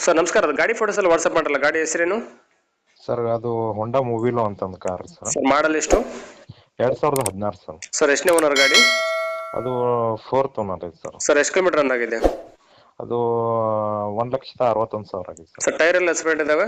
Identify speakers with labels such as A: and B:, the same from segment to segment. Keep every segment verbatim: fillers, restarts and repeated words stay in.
A: Sir ನಮಸ್ಕಾರ, ಅದು ಗಾಡಿ ಫೋಟೋಸ್ ಎಲ್ಲ ವಾಟ್ಸಪ್ ಮಾಡಲ್ಲ, ಗಾಡಿ ಹೆಸರೇನು?
B: ಸರ್ ಅದು ಹೊಂಡಾ ಮೂವಿಲೋ ಅಂತಂದು ಕಾರ್ ಸರ್.
A: ಸರ್ ಮಾಡಲ್ ಎಷ್ಟು?
B: ಎರಡ್ ಸಾವಿರದ ಹದಿನಾರು ಸರ್.
A: ಸರ್ ಎಷ್ಟನೇ ಓನರ್ ಗಾಡಿ?
B: ಅದು ಫೋರ್ತ್ ಓನರ್ ಐತೆ ಸರ್.
A: ಸರ್ ಎಷ್ಟು ಕಿಲೋಮೀಟರ್ ರನ್ ಆಗಿದೆ?
B: ಅದು ಒಂದ್ ಲಕ್ಷದ ಅರವತ್ತೊಂದು ಸಾವಿರ ಆಗಿದೆ ಸರ್.
A: ಸರ್ ಟೈರ್ ಎಲ್ಲ ಸ್ಪೇಟ್ ಇದಾವೆ?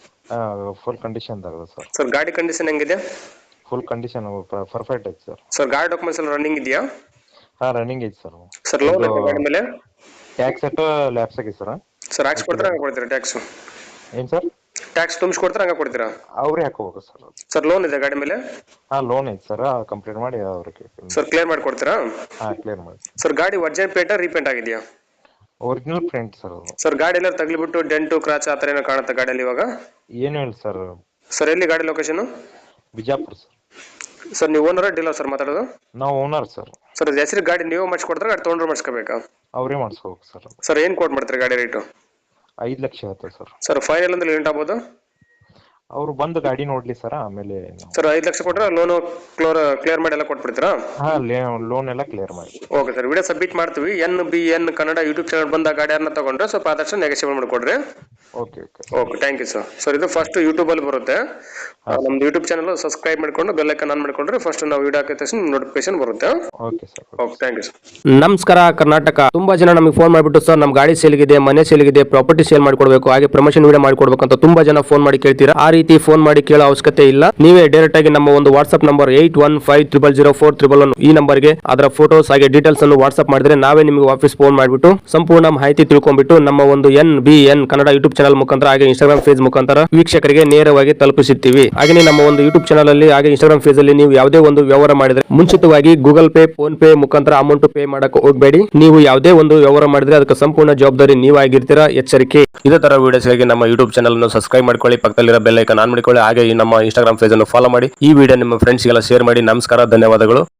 B: ಫುಲ್ ಕಂಡೀಷನ್ ಆಗಿದೆ ಸರ್.
A: ಸರ್ ಗಾಡಿ ಕಂಡೀಷನ್ ಹೆಂಗಿದೆ?
B: ಫುಲ್ ಕಂಡೀಷನ್ ಪರ್ಫೆಕ್ಟ್ ಐತೆ ಸರ್.
A: ಸರ್ ಗಾಡಿ ಡಾಕ್ಯುಮೆಂಟ್ಸ್ ಎಲ್ಲ ರನ್ನಿಂಗ್ ಇದೆಯಾ?
B: ಹಾ ರನ್ನಿಂಗ್ ಐತೆ ಸರ್.
A: ಸರ್ ಲೋನ್ ಐತೆ ಗಾಡಿ ಮೇಲೆ?
B: ಟ್ಯಾಕ್ಸ್ ಸೆಟ್ ಲ್ಯಾಪ್ಸ್ ಆಗಿದೆ ಸರ್.
A: ಸರ್ ಹಾಕ್ಸ್ ಕೊಡ್ತೀರಾ ಹಂಗೆ ಕೊಡ್ತೀರಾ ಟ್ಯಾಕ್ಸ್?
B: ಏನ್ ಸರ್?
A: ಟ್ಯಾಕ್ಸ್ ತುಂಬಿಸ್ಕೊಡ್ತೀರಾ ಹಂಗೆ ಕೊಡ್ತೀರಾ?
B: ಅವ್ರೇ ಹಾಕೋಬೇಕು ಸರ್.
A: ಸರ್ ಲೋನ್ ಇದೆ ಗಾಡಿ ಮೇಲೆ?
B: ಹಾ ಲೋನ್ ಐತೆ ಸರ್, ಕಂಪ್ಲೀಟ್ ಮಾಡಿ ಅವ್ರಿಗೆ.
A: ಸರ್ ಕ್ಲಿಯರ್ ಮಾಡಿ ಕೊಡ್ತೀರಾ?
B: ಹಾ ಕ್ಲಿಯರ್ ಮಾಡಿ.
A: ಸರ್ ಗಾಡಿ ಒರಿಜಿನಲ್ ಪೇಂಟ್ ರೀಪೇಂಟ್ ಆಗಿದೆಯಾ?
B: ಒರಿಜಿನಲ್ ಪ್ರಿಂಟ್ ಸರ್ ಅದು.
A: ಸರ್ ಗಾಡಿ ಎಲ್ಲ ತಗ್ಲಿಬಿಟ್ಟು ಡೆಂಟು ಕ್ರಾಚ್ ಆ ಥರ ಏನೋ ಕಾಣುತ್ತೆ ಗಾಡಿಯಲ್ಲಿ ಇವಾಗ?
B: ಏನು ಇಲ್ಲ ಸರ್.
A: ಸರ್ ಎಲ್ಲಿ ಗಾಡಿ ಲೊಕೇಶನ್?
B: ಬಿಜಾಪುರ ಸರ್.
A: ಸರ್ ನೀವು ಓನರ್ ಡೀಲರ್ ಸರ್ ಮಾತಾಡೋದು?
B: ನಾವು ಓನರ್ ಸರ್.
A: ಸರ್ ಅದು ಹೆಸರು ಗಾಡಿ ನೀವು ಮಾಡಿಸ್ಕೊಡ್ತಾರೆ ಗಾಡಿ ತೊಗೊಂಡ್ರೆ ಮಾಡಿಸ್ಕೋಬೇಕಾ?
B: ಅವರೇ ಮಾಡಿಸ್ಕೋಬೇಕು ಸರ್.
A: ಸರ್ ಏನು ಕೋಟ್ ಮಾಡ್ತಾರೆ ಗಾಡಿ ರೇಟು?
B: ಐದು ಲಕ್ಷ ಆಯ್ತು ಸರ್.
A: ಸರ್ ಫೈನಲ್ ಅಂದ್ರೆ ಲಿಮಿಟ್ ಆಗ್ಬೋದು?
B: ಅವ್ರು ಬಂದು ಗಾಡಿ ನೋಡ್ಲಿ ಸರ್, ಆಮೇಲೆ.
A: ಸರ್ ಐದು ಲಕ್ಷ ಕೊಟ್ಟರೆ ಲೋನು ಕ್ಲೋರ್ ಕ್ಲಿಯರ್ ಮಾಡಿ ಎಲ್ಲ ಕೊಟ್ಬಿಡ್ತೀರಾ?
B: ಹಾ ಲೋನ್ ಎಲ್ಲ ಕ್ಲಿಯರ್ ಮಾಡಿ.
A: ಓಕೆ ಸರ್, ವಿಡಿಯೋ ಸಬ್ಮಿಟ್ ಮಾಡ್ತೀವಿ. N B N Kannada YouTube channel ಬಂದ ಗಾಡಿಯನ್ನ ತಗೊಂಡ್ರೆ ಸ್ವಲ್ಪ ಆದಷ್ಟು ನೆಗೆಸಿಬಲ್ ಮಾಡಿಕೊಡ್ರಿ.
B: Okay okay
A: okay thank you sir. Sir ಇದು ಫಸ್ಟ್ ಯೂಟ್ಯೂಬಲ್ಲಿ ಬರುತ್ತೆ, ನಮ್ದು ಯೂಟ್ಯೂಬ್ ಚಾನಲ್ ಸಬ್ಸ್ಕ್ರೈಬ್ ಮಾಡ್ಕೊಂಡು ಬೆಲ್ ಐಕಾನ್ ಆನ್ ಮಾಡ್ಕೊಂಡ್ರೆ ಫಸ್ಟ್ ನಾವು ವಿಡಿಯೋ ಹಾಕಿದ ತಕ್ಷಣ ನೋಟಿಫಿಕೇಶನ್ ಬರುತ್ತೆ.
B: Okay sir.
A: Okay thank you sir.
C: ನಮಸ್ಕಾರ ಕರ್ನಾಟಕ. ತುಂಬಾ ಜನ ನಮಗೆ ಫೋನ್ ಮಾಡಿಬಿಟ್ಟು ಸರ್ ನಮ್ಮ ಗಾಡಿ ಸೇಲ್ಗಿದೆ, ಮನೆ ಸೇಲ್ಗಿದೆ, ಪ್ರಾಪರ್ಟಿ ಸೇಲ್ ಮಾಡ್ಕೊಡ್ಬೇಕು, ಹಾಗೆ ಪ್ರಮೋಷನ್ ವಿಡಿಯೋ ಮಾಡ್ಕೊಡ್ಬೇಕು ಅಂತ ತುಂಬಾ ಜನ ಫೋನ್ ಮಾಡಿ ಕೇಳ್ತೀರಾ. ಆ ರೀತಿ ಫೋನ್ ಮಾಡಿ ಕೇಳೋ ಅವಶ್ಯಕತೆ ಇಲ್ಲ. ನೀವೇ ಡೈರೆಕ್ಟ್ ಆಗಿ ನಮ್ಮ ಒಂದು WhatsApp number eight one five triple zero four triple one ಈ ನಂಬರ್ಗೆ ಅದರ ಫೋಟೋಸ್ ಹಾಗೆ ಡೀಟೇಲ್ಸ್ ಅನ್ನು ವಾಟ್ಸ್ಆಪ್ ಮಾಡಿದ್ರೆ ನಾವೇ ನಿಮಗೆ ವಾಪಸ್ ಫೋನ್ ಮಾಡಿಬಿಟ್ಟು ಸಂಪೂರ್ಣ ಮಾಹಿತಿ ತಿಳ್ಕೊಂಡ್ಬಿಟ್ಟು ನಮ್ಮ ಒಂದು N B N Kannada YouTube channel ಮುಖಾಂತರ ಹಾಗೆ ಇನ್ಸ್ಟಾಗ್ರಾಮ್ ಪೇಜ್ ಮುಖಾಂತರ ವೀಕ್ಷಕರಿಗೆ ನೇರವಾಗಿ ತಲುಪಿಸುತ್ತೀವಿ. ಹಾಗೆ ನಮ್ಮ ಒಂದು ಯೂಟ್ಯೂಬ್ ಚಾನಲ್ ಅಲ್ಲಿ ಹಾಗೆ ಇನ್ಸ್ಟಾಗ್ರಾಮ್ ಪೇಜ್ ಅಲ್ಲಿ ನೀವು ಯಾವುದೇ ಒಂದು ವ್ಯವಹಾರ ಮಾಡಿದ್ರೆ ಮುಂಚಿತವಾಗಿ ಗೂಗಲ್ ಪೇ, ಫೋನ್ ಪೇ ಮುಖಾಂತರ ಅಮೌಂಟ್ ಪೇ ಮಾಡಕ್ಕೆ ಹೋಗಬೇಡಿ. ನೀವು ಯಾವುದೇ ಒಂದು ವ್ಯವಹಾರ ಮಾಡಿದ್ರೆ ಅದಕ್ಕೆ ಸಂಪೂರ್ಣ ಜವಾಬ್ದಾರಿ ನೀವಾಗಿರ್ತೀರಾ, ಎಚ್ಚರಿಕೆ. ಇದೇ ತರ ವಿಡಿಯೋಸ್ಗಾಗಿ ನಮ್ಮ ಯೂಟ್ಯೂಬ್ ಚಾನಲ್ ಅನ್ನು ಸಬ್ಸ್ಕ್ರೈಬ್ ಮಾಡ್ಕೊಳ್ಳಿ, ಪಕ್ಕದಲ್ಲಿರೋ ಬೆಲ್ ಐಕಾನ್ ಆನ್ ಮಾಡಿಕೊಳ್ಳಿ, ಹಾಗೆ ನಮ್ಮ ಇನ್ಸ್ಟಾಗ್ರಾಮ್ ಪೇಜ್ ಅನ್ನು ಫಾಲೋ ಮಾಡಿ. ಈ ವಿಡಿಯೋ ನಿಮ್ಮ ಫ್ರೆಂಡ್ಸ್ಗೆಲ್ಲ ಶೇರ್ ಮಾಡಿ. ನಮಸ್ಕಾರ, ಧನ್ಯವಾದಗಳು.